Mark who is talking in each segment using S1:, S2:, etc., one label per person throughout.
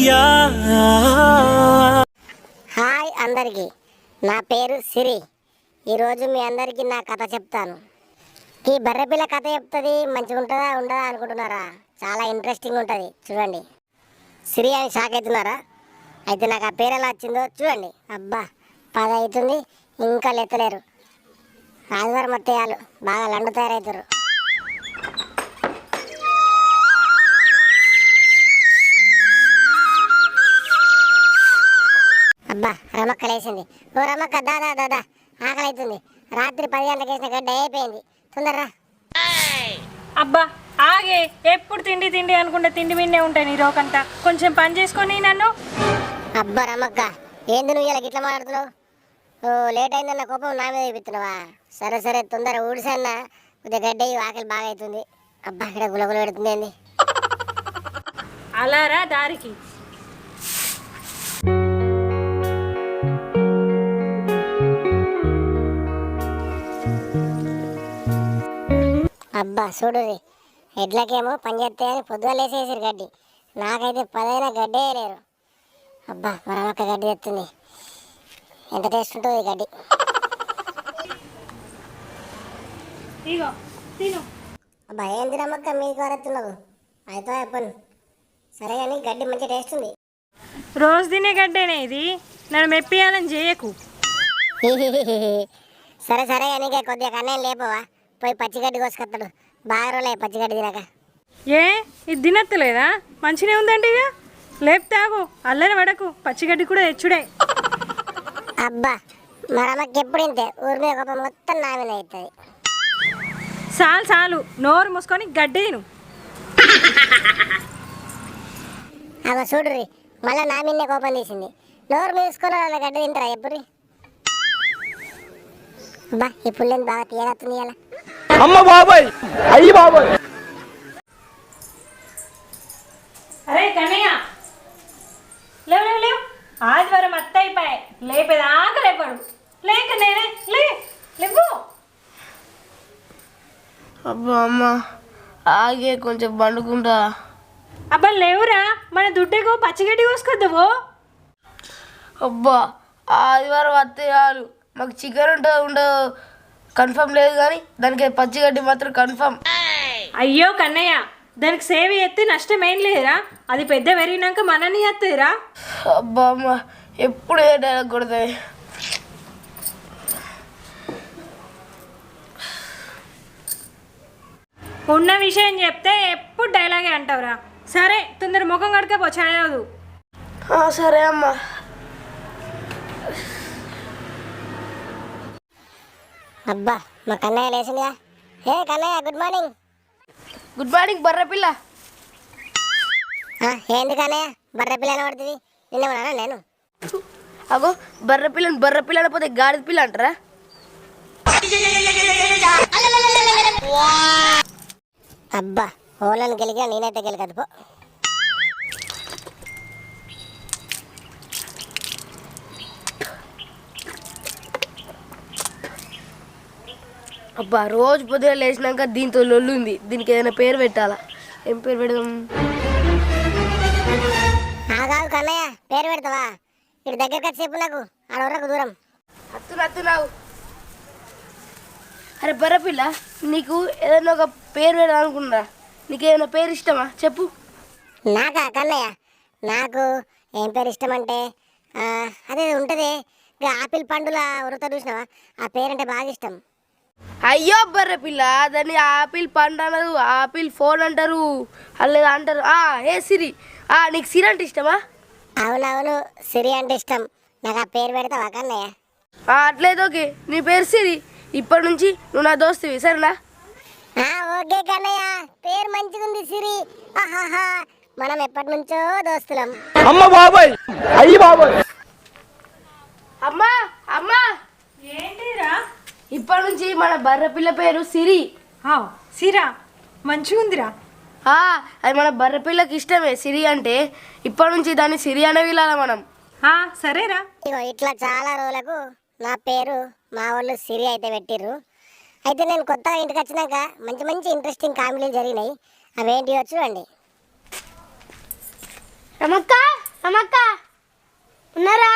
S1: Hi అందరికీ, నా పేరు సిరి. ఈరోజు మీ అందరికీ నా కథ చెప్తాను. ఈ బర్రెపిల్ల కథ చెప్తుంది, మంచిగా ఉంటుందా ఉండదా అనుకుంటున్నారా? చాలా ఇంట్రెస్టింగ్ ఉంటుంది, చూడండి. సిరి అని షాక్ అవుతున్నారా? అయితే నాకు ఆ పేరు ఎలా వచ్చిందో చూడండి. అబ్బా 10 అవుతుంది, ఇంకా లెత్తలేరు. ఆదివారం అత్తయ్యాలు బాగా లండు తయారవుతారు. అబ్బా రమక్క లేచింది. ఓ రమక్క, దాదా దాదా ఆకలి అవుతుంది. రాత్రి 10 గంటలకు వేసిన గడ్డ అయిపోయింది, తొందరరా.
S2: అబ్బా ఆగే, ఎప్పుడు తిండి తిండి అనుకుంటే తిండి మీదే ఉంటాయి నీ రోకంతా. కొంచెం పని చేసుకొని నన్ను.
S1: అబ్బా రమక్క, ఏంది నువ్వు ఇలా గిట్లా మాట్లాడుతున్నావు? ఓ లేట్ అయిందన్న కోపం నా మీద చూపిస్తున్నావా? సరే సరే, తొందర ఊడిసన్న, కొద్దిగా గడ్డ ఆకలి బాగా అవుతుంది. అబ్బా ఇక్కడ గులగుల పెడుతుంది ఏంది?
S2: అలారా దారికి.
S1: అబ్బా చూడుది, ఎడ్లకేమో పని చేస్తాయని పొద్దుగా లేసేసారు గడ్డి. నాకైతే 10 అయినా గడ్డే లేరు. అబ్బా మరొక గడ్డి తెస్తుంది, ఎంత టేస్ట్ ఉంటుంది ఈ గడ్డి.
S2: ఇగో తిను.
S1: అబ్బా ఏం తినమ్మక్క మీకు వరెత్తున్నావు? అయితే చెప్పను. సరే కానీ గడ్డి మంచి టేస్ట్ ఉంది.
S2: రోజు తినే గడ్డేనే ఇది, నన్ను మెప్పియాలని చేయకు.
S1: సరే సరే కానీ కొద్దిగా కన్నయ్య లేపవా? పోయి పచ్చిగడ్డి కోసుకొస్తాడు. బాగా రోజులే పచ్చిగడ్డి తినక.
S2: ఏ ఇది తినత్తలేదా? మంచిగా ఉందంటే ఇక లేపుతాగు, అల్లరి పడకు, పచ్చిగడ్డి కూడా తెచ్చుడే.
S1: అబ్బా మరమ్మకి ఎప్పుడు ఇంతే, ఊరి మీద కోపం మొత్తం నా మీద అవుతుంది.
S2: చాలు చాలు, నోరు మూసుకొని గడ్డి తిను.
S1: అవ చూడుర్రి, మళ్ళీ నా మీదే కోపం తీసింది. నోరు మూసుకొని వాళ్ళ గడ్డి తింటారా ఎప్పుడు? అబ్బా ఈ పుల్లని బాగా తీయగత్తుంది ఇలా.
S3: అమ్మ బాబాయ్, అయ్యి బాబాయ్.
S2: అరే కన్నయ్య, లేవు లేవు లేవు, ఆదివారం అత్త అయిపోయాయి, లేపేదాకా లేపాడు. లేక నేనే లేవు.
S4: అబ్బా అమ్మ ఆగే, కొంచెం పండుకుంటా.
S2: అబ్బా లేవురా, మన దుడ్డేకో పచ్చిగడ్డి కోసుకొద్దావు.
S4: అబ్బా ఆదివారం వస్తే చాలు, మాకు చికెన్ ఉంటుందో ఉండదో కన్ఫర్మ్ లేదు, కానీ దానికి పచ్చిగడ్డి మాత్రం కన్ఫర్మ్.
S2: అయ్యో కన్నయ్య, దానికి సేవ ఎత్తి నష్టం ఏం లేదురా, అది పెద్ద పెరిగినాక మనని ఎత్తురా.
S4: అబ్బా అమ్మ ఎప్పుడు ఏ డైలాగ్ కొడతాయి.
S2: ఉన్న విషయం చెప్తే ఎప్పుడు డైలాగే అంటావురా. సరే తొందర ముఖం కడకపో, చదవదు.
S4: సరే అమ్మ.
S1: అబ్బా మా కన్నయ్య లేచిందిగా. ఏ Kannayya, good morning.
S4: Good morning బర్రెపిల్ల.
S1: ఏంది కన్నయ్య బర్రె పిల్ల పడుతుంది? నిన్న నేను
S4: అగో బర్రెపిల్ల అనపోతే గాడిద పిల్ల అంటారా?
S1: అబ్బా ఓళ్ళని గెలిగా నేనైతే గెలకదు పో.
S4: అబ్బా రోజు పొద్దున లేచినాక దీంతో లొల్లు ఉంది, దీనికి ఏదైనా పేరు పెట్టాలా? ఏం పేరు పెడదాం?
S1: కాదు కన్నయ్య, పేరు పెడతావా? ఇటు దగ్గరికి వచ్చి చెప్పు, నాకు ఆడవరకు దూరం.
S4: అత్తున్నావు. అరే బర్రెపిల్ల, నీకు ఏదైనా ఒక పేరు పెడదాం అనుకున్నా, నీకు ఏదైనా పేరు ఇష్టమా చెప్పు.
S1: నాకా కన్నయ్య, నాకు ఏం పేరు ఇష్టం అంటే అదే ఉంటుంది, ఆపిల్ పండుల ఉరుత చూసినావా? ఆ పేరంటే బాగా ఇష్టం.
S4: అయ్యో బర్రెపిల్ల, దాన్ని ఆపిల్ పండు అనరు, ఆపిల్ ఫోన్ అంటారు, అలా అంటారు. ఏ సిరి, నీకు సిరి అంటే ఇష్టమా?
S1: అవునవును, సిరి అంటే ఇష్టం. నాకు ఆ పేరు పెడతావా కన్నయ్య?
S4: అట్లేదు, ఓకే, నీ పేరు సిరి. ఇప్పటి నుంచి నువ్వు నా దోస్తువి, సరేనా?
S1: ఓకే కన్నయ్య, పేరు మంచిగుంది సిరి. మనం ఎప్పటి నుంచో దోస్తులం.
S3: అమ్మ బాబాయ్, అయ్యి బాబాయ్.
S4: అమ్మా అమ్మా,
S2: ఏంటిరా?
S4: ఇప్పటి నుంచి మన బర్రెపిల్ల పేరు సిరి.
S2: సిరా మంచిగుందిరా.
S4: అది మన బర్రెపిల్లకి ఇష్టమే సిరి అంటే. ఇప్పటి నుంచి దాన్ని సిరి అనే వీలాల మనం.
S2: సరేరా.
S1: ఇగో ఇట్లా చాలా రోజులకు నా పేరు మా వాళ్ళు సిరి అయితే పెట్టిర్రు. అయితే నేను కొత్తగా ఇంటికి వచ్చినాక మంచి మంచి ఇంట్రెస్టింగ్ కామెడీలు జరిగినాయి. అవేంటివో చూడండి.
S4: రమక్క
S5: అమ్మక్క ఉన్నారా?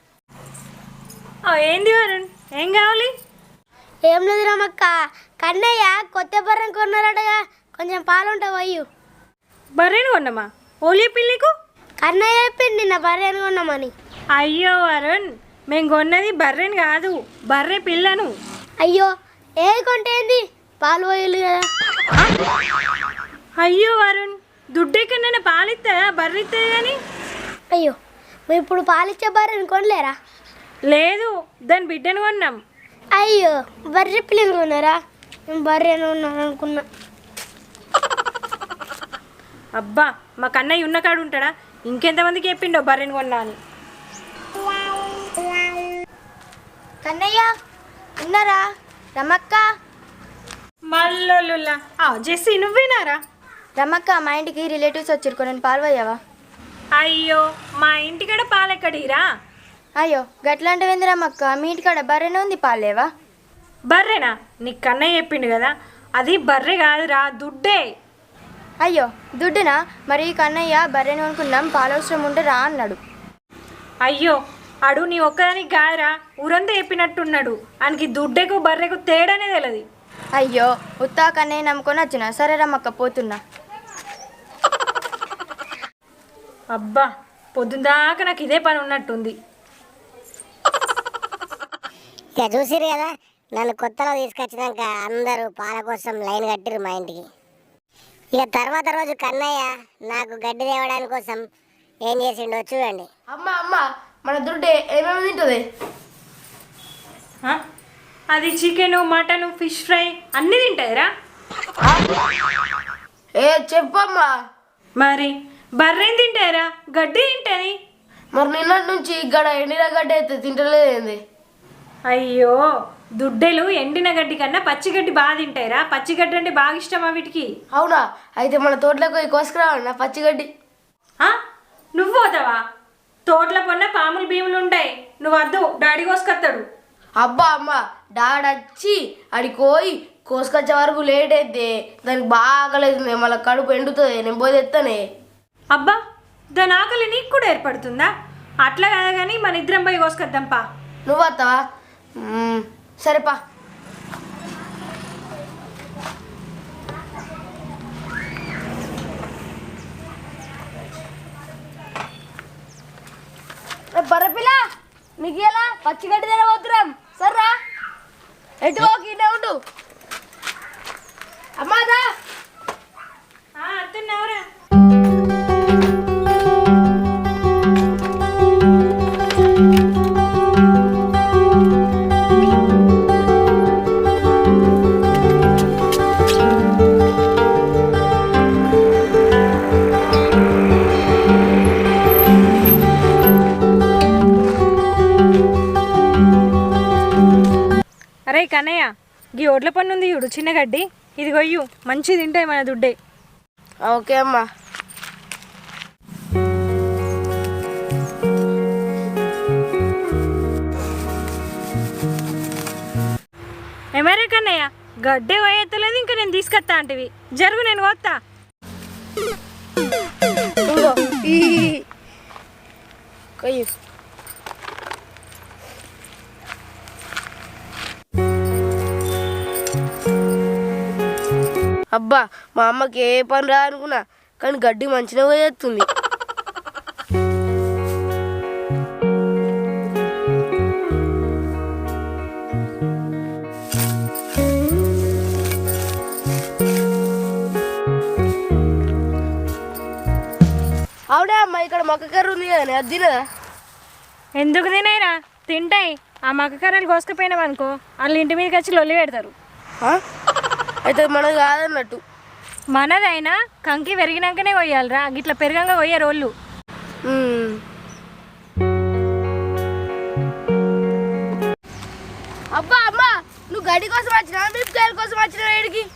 S2: ఏంది వరుణ్, ఏం కావాలి?
S5: ఏం లేదు రమక్క, కన్నయ్య కొత్త బర్రెం కొన్నారటగా, కొంచెం పాలుంటావు అయ్యు.
S2: బర్రెను కొన్నామా? ఓలీ పిల్లికు
S5: కన్నయ్య చెప్పింది నిన్న బర్రెను కొన్నామని.
S2: అయ్యో వరుణ్, మేము కొన్నది బర్రెని కాదు, బర్రె పిల్లను.
S5: అయ్యో ఏది కొంటే ఏంది, పాలు పోయలు కదా.
S2: అయ్యో వరుణ్, దుడ్డెక్కడైనా పాలిస్తుందా? బర్రె ఇస్తుంది కానీ.
S5: అయ్యో మేము ఇప్పుడు పాలిచ్చే బర్రెని కొనలేరా?
S2: లేదు, దాని బిడ్డను కొన్నాం.
S5: అయ్యో బర్రె పిల్లని కొన్నారా? మేము బర్రెను ఉన్నాను అనుకున్నా.
S2: అబ్బా, మా కన్నయ్య ఉన్న కాడు ఉంటాడా? ఇంకెంతమందికి చెప్పిండో బర్రెని కొన్నా అని.
S5: కన్నయ్య ఉన్నారా? రమక్క
S2: మల్లోలుల్లా జెస్సీ, నువ్వేనారా?
S6: రమ్మక్క, మా ఇంటికి రిలేటివ్స్ వచ్చారు, కొన్ని పాలు పోయావా?
S2: అయ్యో, మా ఇంటికాడ పాలెక్కడిరా?
S6: అయ్యో గట్లాంటివింది రమ్మక్క, మీ ఇంటికాడ బర్రెనే ఉంది, పాలేవా?
S2: బర్రెనా? నీకు కన్నయ్య చెప్పిండు కదా, అది బర్రె కాదురా, దుడ్డే.
S6: అయ్యో దుడ్డునా? మరి కన్నయ్య బర్రెని కొనుక్కున్నాం, పాలు అవసరం ఉంటే రా అన్నాడు.
S2: అయ్యో, అడు నీ ఒక్కదానికి కాదురా, ఊరంతా చెప్పినట్టున్నాడు. ఆయనకి దుడ్డెకు బర్రెకు తేడానే తెలియదు.
S6: అయ్యో ఉత్తా కన్నయ్య నమ్ముకొని వచ్చిన. సరే రమ్మక్క, పోతున్నా.
S2: అబ్బా, పొద్దుందాకా నాకు ఇదే పని ఉన్నట్టుంది.
S1: ఇక చూసిరు కదా, నన్ను కొత్తలో తీసుకొచ్చినాక అందరూ పాల కోసం లైన్ కట్టిరు మా ఇంటికి. ఇక తర్వాత రోజు కన్నయ్య నాకు గడ్డి తేవడానికి కోసం ఏం చేసిండో చూడండి.
S4: అమ్మ అమ్మ, మన దుడ్డే ఏమేమి తింటుంది?
S2: ఆ? అది చికెను, మటను, ఫిష్ ఫ్రై అన్నీ తింటాయిరా.
S4: ఏ చెప్పమ్మా.
S2: మరి బర్రెని తింటాయిరా, గడ్డి తింటుంది.
S4: మరి నిన్నటి నుంచి ఇక్కడ ఎండిన గడ్డ అయితే తింటలేదేంది?
S2: అయ్యో, దుడ్డెలు ఎండిన గడ్డి కన్నా పచ్చిగడ్డి బాగా తింటాయిరా. పచ్చిగడ్డి అంటే బాగా ఇష్టమా వీటికి.
S4: అవునా? అయితే మన తోటలోకి పోయి కోసుకురావాలి నా పచ్చిగడ్డి.
S2: ఆ? నువ్వు పోతావా? తోటల పొన్న పాములు భీములు ఉంటాయి, నువ్వు వద్దు, డాడీ కోసుకొస్తాడు.
S4: అబ్బా అమ్మ, డాడ్ వచ్చి అడికి పోయి కోసుకొచ్చే వరకు లేట్ అయితే దానికి బాగా లేదు, మళ్ళీ కడుపు ఎండుతుంది, నేను పోయి తెస్తానే.
S2: అబ్బా, దాని ఆకలి నీకు కూడా ఏర్పడుతుందా? అట్లా కాదా కానీ మన ఇద్దరం పోయి కోసుకొద్దాంపా.
S4: నువ్వు వస్తావా? సరేపా. బర్రపిల్ల, నీకు ఎలా పచ్చిగడ్డి తిన పోతున్నాం, సర్రా ఎటు పోకి ఇటే ఉండు. అమ్మాదా
S2: అత్తన్నావురా? అరే కన్నయ్య, గీ ఒడ్ల పన్ను ఉంది చూడు, చిన్న గడ్డి, ఇది కొయ్యు, మంచిది తింటాయి మన దుడ్డే.
S4: ఓకే అమ్మా.
S2: ఏమరే కన్నయ్య, గడ్డే పోయెత్తలేదు, ఇంకా నేను తీసుకొస్తా అంటివి. జరుగు, నేను పోతా.
S4: ఇంకో ఈ కొయ్యి. అబ్బా, మా అమ్మకి ఏ పని రా అనుకున్నా, కానీ గడ్డి మంచిగా పోయేస్తుంది. అవునా అమ్మ, ఇక్కడ మొక్క కర్ర ఉంది కదా, అది తినదా?
S2: ఎందుకు తినాయిరా, తింటాయి. ఆ మక్క కర్రలు కోసుకుపోయినామనుకో, వాళ్ళు ఇంటి మీదకి వచ్చి లొల్లి పెడతారు.
S4: అయితే మనది కాదన్నట్టు.
S2: మనదైనా కంకి పెరిగినాకనే కొయ్యాలిరా, గిట్లా పెరగంగా కొయ్యారు వాళ్ళు.
S4: అబ్బా అమ్మ, నువ్వు గడ్డి కోసం వచ్చినా మిరపకాయల కోసం వచ్చిన వేడికి?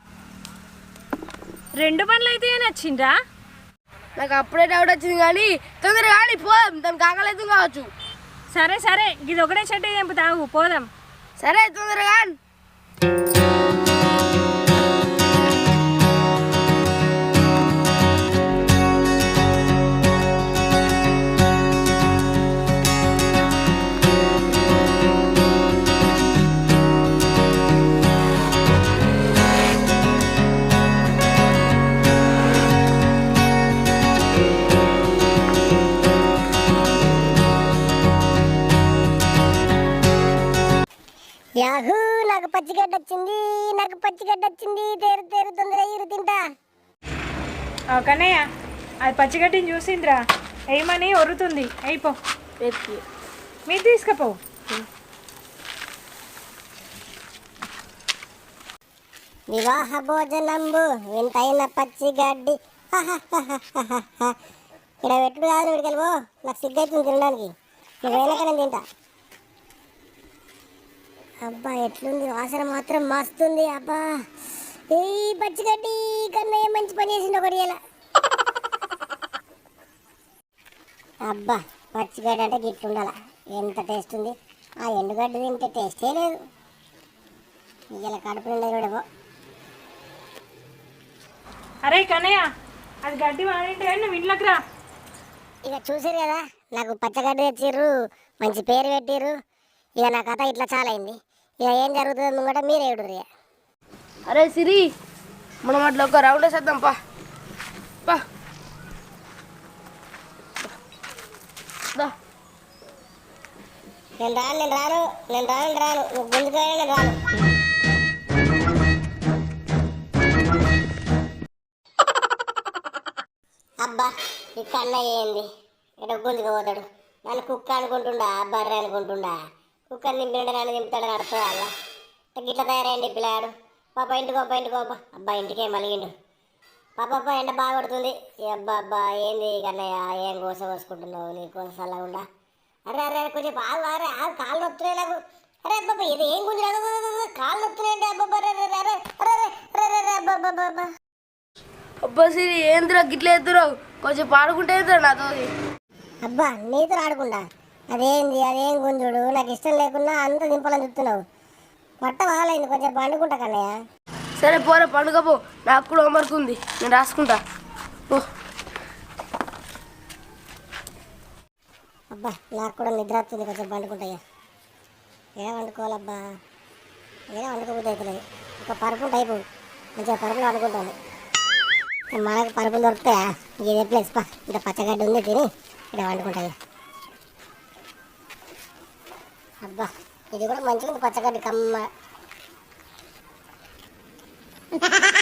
S2: రెండు పనులు అయితే నచ్చిండ్రా.
S4: నాకు అప్పుడే డౌట్ వచ్చింది, కానీ తొందరగా కానీ పోదాం, దానికి ఆకలేదు కావచ్చు.
S2: సరే సరే, ఇది ఒకటే చెట్టు తెంపు తాగు, పోదాం.
S4: సరే తొందరగా.
S1: యాహూ నాకు పచ్చిగడ్డ వచ్చింది, నాకు పచ్చిగడ్డ వచ్చింది. తేరు తేరు తొందర ఇరు తింటా.
S2: కన్నయ్య అది పచ్చిగడ్డిని చూసిందిరా, వేయమని ఒరుతుంది. అయిపో మీరు తీసుకపో.
S1: వివాహ భోజనంబు వింతైన పచ్చిగడ్డి. ఇక్కడ పెట్టుడు కాదు, ఇక్కడికి పో. నాకు సిగ్గైతుంది తినడానికి. నువ్వు వెనక నేను తింటా. అబ్బా ఎట్లుంది వాసన మాత్రం మస్తుంది. అబ్బా ఈ పచ్చిగడ్డి కన్నయ్య మంచి పని చేసింది ఒకటి ఇలా. అబ్బా పచ్చిగడ్డి అంటే గిట్ల ఉండాల. ఎంత టేస్ట్ ఉంది. ఆ ఎండుగడ్డి తింటే టేస్టే లేదు. ఇలా కడుపు నిండా కూడా పో.
S2: అరే కన్నయ్య అది గడ్డి వాడింటే నువ్వు ఇంట్లోకి రా.
S1: ఇక చూసారు కదా, నాకు పచ్చగడ్డి తెచ్చిర్రు, మంచి పేరు పెట్టిర్రు. ఇక నా కథ ఇట్లా చాలా అయింది. ఇక ఏం జరుగుతుందో కూడా మీరే ఏడుర్రి.
S4: అరే సిరి, మనం అట్లా ఒక రౌండ్ వేసేద్దాం పా. పా దా.
S1: నేను రాను నువ్వు గుంజుకు నేను రాను. అబ్బా ఈ కన్నయ్య ఏంది ఇక్కడ గుంజుకుపోతాడు. నన్ను కుక్క అనుకుంటుండా, బర్రె అనుకుంటుండా. కుక్కని నింపినాడని నింపుతాడని అర్థం వాళ్ళ గిట్ల తయారైంది పిల్లాడు. పాప ఇంటికోప. అబ్బా ఇంటికే మలిగిండు. పాప ఎండ బాగా కొడుతుంది. అబ్బా ఏంది కన్నయ్య, ఏం కోస కోసుకుంటున్నావు? నీ కోసం చల్లకుండా. అరే కొంచెం బాగా ఆగు కాళ్ళు నొత్తున్నాయి నాకు. అరే అబ్బా ఇది ఏం గుంజు కాళ్ళు నొత్తున్నాయండి. అబ్బా
S4: అబ్బా సిరి ఏంద్రా గిట్ల ఎత్తురావు, కొంచెం పాడుకుంటే ఎత్తురా నాతో.
S1: అబ్బా నీతో ఆడకుండా అదేం గుంజుడు. నాకు ఇష్టం లేకున్నా అంత దింపాలని చెప్తున్నావు. పట్ట బాగాలైంది, కొంచెం పండుకుంటా కన్నయ్య.
S4: సరే పోరా పండుగ పో, నాకు కూడా హోంవర్క్ ఉంది, నేను రాసుకుంటా. ఓ
S1: అబ్బా నాకు కూడా నిద్ర వస్తుంది, కొంచెం పండుకుంటాయ్యా. ఏం వండుకోవాలబ్బా, ఏం వండుకోబోతే అవుతలేదు. ఒక పరుపు అయిపోయి మంచిగా పరుపులు వండుకుంటాను. మనకు పరుపులు దొరుకుతాయా? ఇదే ప్లేస్ పా, ఇంత పచ్చగడ్డ ఉంది తిని ఇక్కడ వండుకుంటాయి. అబ్బా ఇది కూడా మంచిగా ఉంది పచ్చగడ్డి కమ్మ.